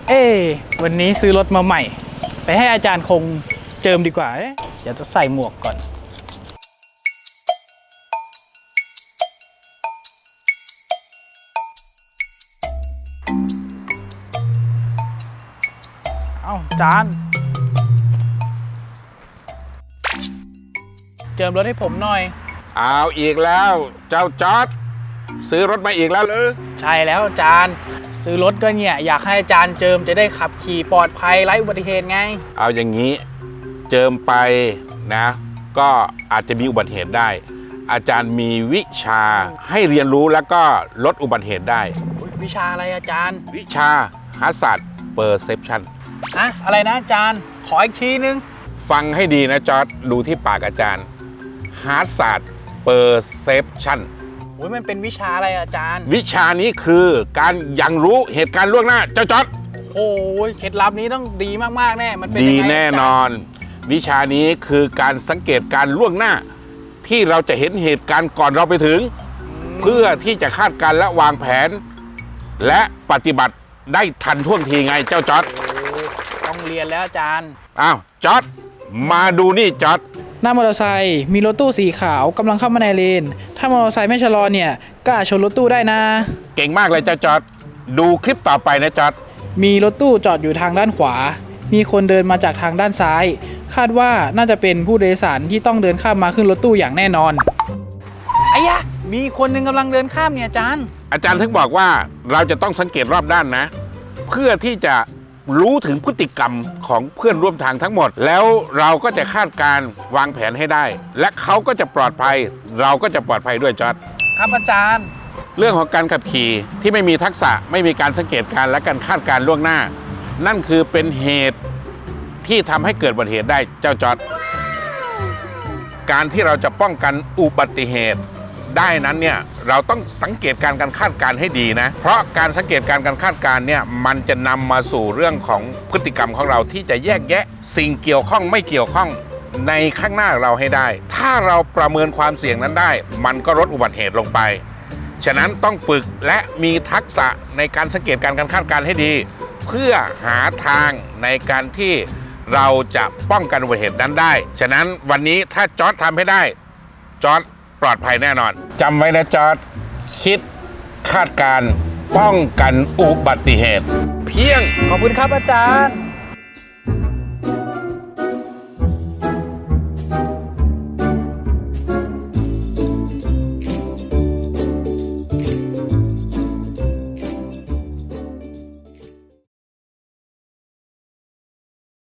เอ๊วันนี้ซื้อรถมาใหม่ ไปให้อาจารย์คงเจิมดีกว่าเดี๋ยวจะใส่หมวกก่อนเอาจานเจิมรถให้ผมหน่อยเอาอีกแล้วเจ้าจอร์จซื้อรถมาอีกแล้วหรือใช่แล้วอาจารย์ซื้อรถก็เนี่ยอยากให้อาจารย์เจิมจะได้ขับขี่ปลอดภัยไร้อุบัติเหตุไงเอาอย่างนี้เจิมไปนะก็อาจจะมีอุบัติเหตุได้อาจารย์มีวิชาให้เรียนรู้แล้วก็ลดอุบัติเหตุได้วิชาอะไรอาจารย์วิชาHazard Perception อะไรนะอาจารย์ขออีกทีนึงฟังให้ดีนะจอร์จดูที่ปากอาจารย์Hazard Perception มันเป็นวิชาอะไรอาจารย์วิชานี้คือการยังรู้เหตุการณ์ล่วงหน้าเจ้าจอร์จโอ้ยเคล็ดลับนี้ต้องดีมากๆแน่มันเป็นดีแน่นอนวิชานี้คือการสังเกตการล่วงหน้าที่เราจะเห็นเหตุการณ์ก่อนเราไปถึงเพื่อที่จะคาดการณ์และวางแผนและปฏิบัติได้ทันท่วงทีไงเจ้าจอร์จต้องเรียนแล้วอาจารย์อ้าวจอร์จมาดูนี่จอร์จหน้ามอเตอร์ไซค์มีรถตู้สีขาวกำลังเข้ามาในเลนถ้ามอเตอร์ไซค์ไม่ชะลอเนี่ยก็อาจชนรถตู้ได้นะเก่งมากเลยเจ้าจอร์จดูคลิปต่อไปนะจอร์จมีรถตู้จอดอยู่ทางด้านขวามีคนเดินมาจากทางด้านซ้ายคาดว่าน่าจะเป็นผู้โดยสารที่ต้องเดินข้ามมาขึ้นรถตู้อย่างแน่นอนไอ้ยะมีคนหนึ่งกำลังเดินข้ามเนี่ยอาจารย์ถึงบอกว่าเราจะต้องสังเกตรอบด้านนะเพื่อที่จะรู้ถึงพฤติกรรมของเพื่อนร่วมทางทั้งหมดแล้วเราก็จะคาดการวางแผนให้ได้และเขาก็จะปลอดภัยเราก็จะปลอดภัยด้วยจอร์จครับอาจารย์เรื่องของการขับขี่ที่ไม่มีทักษะไม่มีการสังเกตการและการคาดการล่วงหน้านั่นคือเป็นเหตุที่ทำให้เกิดอุบัติเหตุได้เจ้าจอร์จการที่เราจะป้องกันอุบัติเหตุได้นั้นเนี่ยเราต้องสังเกตการคาดการให้ดีนะเพราะการสังเกตการคาดการเนี่ยมันจะนำมาสู่เรื่องของพฤติกรรมของเราที่จะแยกแยะสิ่งเกี่ยวข้องไม่เกี่ยวข้องในข้างหน้าเราให้ได้ถ้าเราประเมินความเสี่ยงนั้นได้มันก็ลดอุบัติเหตุลงไปฉะนั้นต้องฝึกและมีทักษะในการสังเกตการคาดการให้ดีเพื่อหาทางในการที่เราจะป้องกันอุบัติเหตุนั้นได้ฉะนั้นวันนี้ถ้าจอร์จทำให้ได้จอร์จปลอดภัยแน่นอนจำไว้นะจอร์จคิดคาดการป้องกันอุบัติเหตุเพียงขอบคุณครับอาจารย์